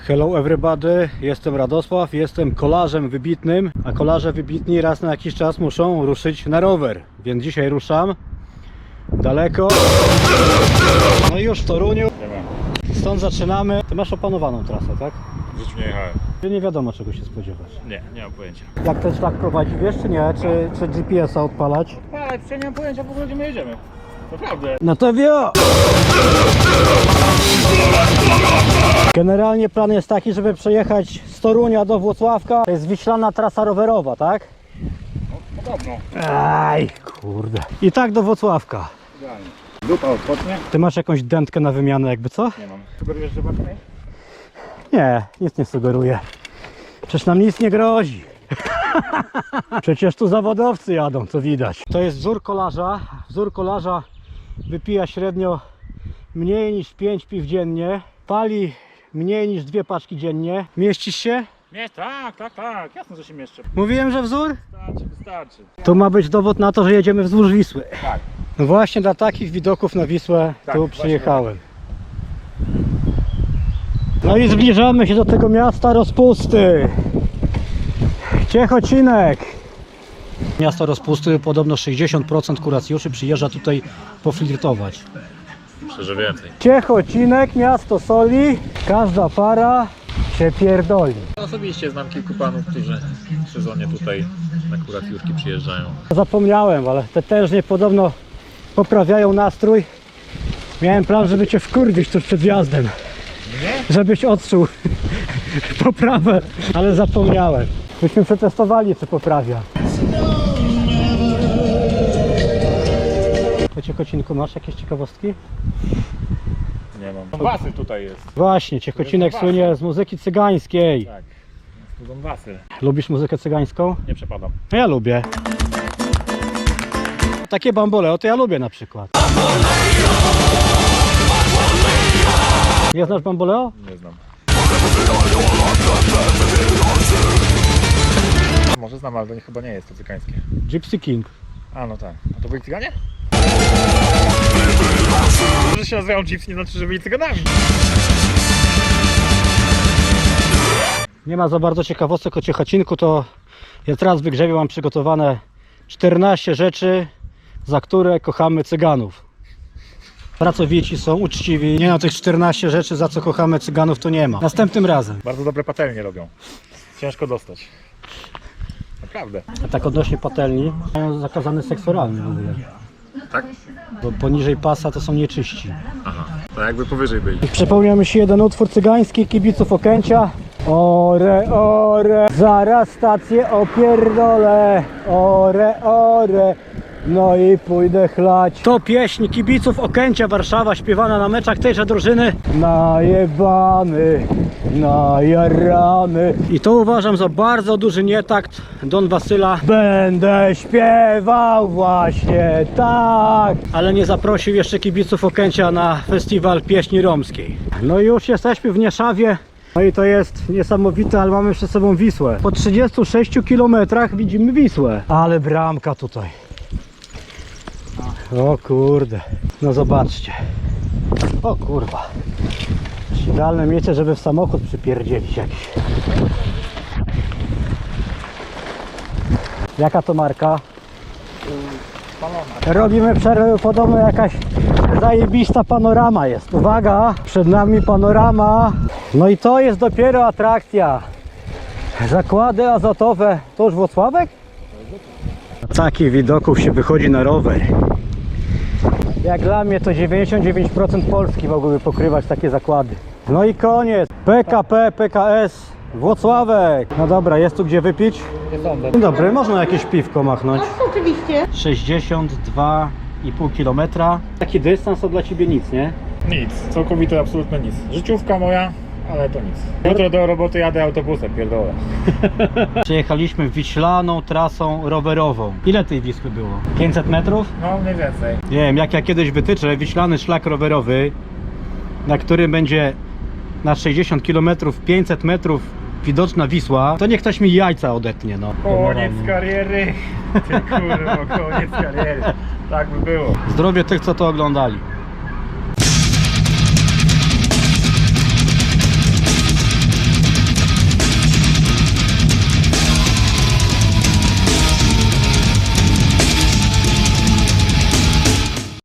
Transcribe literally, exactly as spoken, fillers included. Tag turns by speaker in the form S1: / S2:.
S1: Hello everybody, jestem Radosław, jestem kolarzem wybitnym, a kolarze wybitni raz na jakiś czas muszą ruszyć na rower, więc dzisiaj ruszam daleko, no i już w Toruniu, stąd zaczynamy. Ty masz opanowaną trasę, tak?
S2: W życiu nie jechałem.
S1: Czy nie wiadomo czego się spodziewać?
S2: Nie, nie mam pojęcia.
S1: Jak ten szlak prowadzi, wiesz czy nie? Czy, czy G P S a odpalać?
S2: Ale ja nie mam pojęcia w ogóle gdzie my jedziemy. Naprawdę.
S1: No to wio! Generalnie plan jest taki, żeby przejechać z Torunia do Włocławka. To jest wiślana trasa rowerowa, tak?
S2: No, podobno.
S1: Aj, kurde. I tak do Włocławka.
S2: Idealnie. Dupa odpocznie?
S1: Ty masz jakąś dętkę na wymianę jakby co?
S2: Nie mam. Sugerujesz, że ważnej?
S1: Nie, nic nie sugeruję. Przecież nam nic nie grozi. Przecież tu zawodowcy jadą, co widać. To jest wzór kolarza. Wzór kolarza wypija średnio mniej niż pięć piw dziennie. Pali mniej niż dwie paczki dziennie. Mieścisz się?
S2: Nie, tak, tak, tak. Jasno, że się mieszczę.
S1: Mówiłem, że wzór?
S2: Wystarczy, wystarczy.
S1: To ma być dowód na to, że jedziemy wzdłuż Wisły.
S2: Tak.
S1: No właśnie dla takich widoków na Wisłę
S2: Tak,
S1: tu
S2: właśnie.
S1: przyjechałem. No i zbliżamy się do tego miasta rozpusty. Ciechocinek. Miasto rozpusty, podobno sześćdziesiąt procent kuracjuszy przyjeżdża tutaj poflirtować.
S2: Myślę, że więcej.
S1: Ciechocinek, miasto soli, każda para się pierdoli.
S2: Osobiście znam kilku panów, którzy w sezonie tutaj na kuracjówki przyjeżdżają.
S1: Zapomniałem, ale te tężnie podobno poprawiają nastrój. Miałem plan, żeby cię wkurwić tuż przed wjazdem.
S2: Nie?
S1: Żebyś odczuł poprawę, ale zapomniałem. Byśmy przetestowali, co poprawia. Po Ciechocinku masz jakieś ciekawostki?
S2: Nie mam. Wasyl tutaj jest.
S1: Właśnie, Ciechocinek słynie z muzyki cygańskiej.
S2: Tak. Tu Don Wasyl.
S1: Lubisz muzykę cygańską?
S2: Nie przepadam.
S1: No ja lubię. Takie bamboleo to ja lubię na przykład. Nie znasz bamboleo?
S2: Nie znam. Może znam, ale to nie, chyba nie jest to cygańskie.
S1: Gypsy King.
S2: A no tak. A to byli cyganie? Że się nazywają Gypsy nie znaczy, że byli cyganami.
S1: Nie ma za bardzo ciekawostek o Ciechocinku, to ja teraz w wygrzewie mam przygotowane czternaście rzeczy, za które kochamy cyganów. Pracowici są, uczciwi. Nie na tych czternaście rzeczy, za co kochamy cyganów, to nie ma. Następnym razem.
S2: Bardzo dobre patelnie robią. Ciężko dostać. Naprawdę.
S1: A tak odnośnie patelni, mają zakazany seks oralny w ogóle.
S2: Tak?
S1: Bo poniżej pasa to są nieczyści.
S2: Aha. To jakby powyżej byli.
S1: Przypomniał mi się jeden utwór cygański kibiców Okęcia. Ore, ore, zaraz stację opierdolę. Ore, ore, no i pójdę chlać. To pieśń kibiców Okęcia Warszawa, śpiewana na meczach tejże drużyny. Najebany, najarany. I to uważam za bardzo duży nietakt Don Wasyla. Będę śpiewał właśnie tak. Ale nie zaprosił jeszcze kibiców Okęcia na festiwal pieśni romskiej. No i już jesteśmy w Nieszawie. No i to jest niesamowite, ale mamy przed sobą Wisłę. Po trzydziestu sześciu kilometrach widzimy Wisłę. Ale bramka tutaj. O kurde. No zobaczcie. O kurwa. Idealne miejsce, żeby w samochód przypierdzielić jakiś. Jaka to marka? Robimy przerwę, podobno jakaś zajebista panorama jest. Uwaga, przed nami panorama. No i to jest dopiero atrakcja. Zakłady azotowe. To już Włocławek? Takich widoków się wychodzi na rower. Jak dla mnie to dziewięćdziesiąt dziewięć procent Polski mogłyby pokrywać takie zakłady. No i koniec. P K P, P K S, Włocławek. No dobra, jest tu gdzie wypić?
S2: Nie sądzę.
S1: Dzień dobry, można jakieś piwko machnąć?
S3: Oczywiście.
S1: sześćdziesiąt dwa i pół kilometra. Taki dystans to dla ciebie nic, nie?
S2: Nic. Całkowite, absolutnie nic. Życiówka moja, ale to nic. Jutro do roboty jadę autobusem, pierdolę.
S1: Przejechaliśmy wiślaną trasą rowerową. Ile tej Wisły było? pięćset metrów?
S2: No mniej więcej.
S1: Nie wiem, jak ja kiedyś wytyczę wiślany szlak rowerowy, na którym będzie na sześćdziesiąt kilometrów, pięćset metrów widoczna Wisła, to niech ktoś mi jajca odetnie, no.
S2: Koniec kariery. Ty kurwa, koniec kariery. Tak by było.
S1: Zdrowie tych, co to oglądali.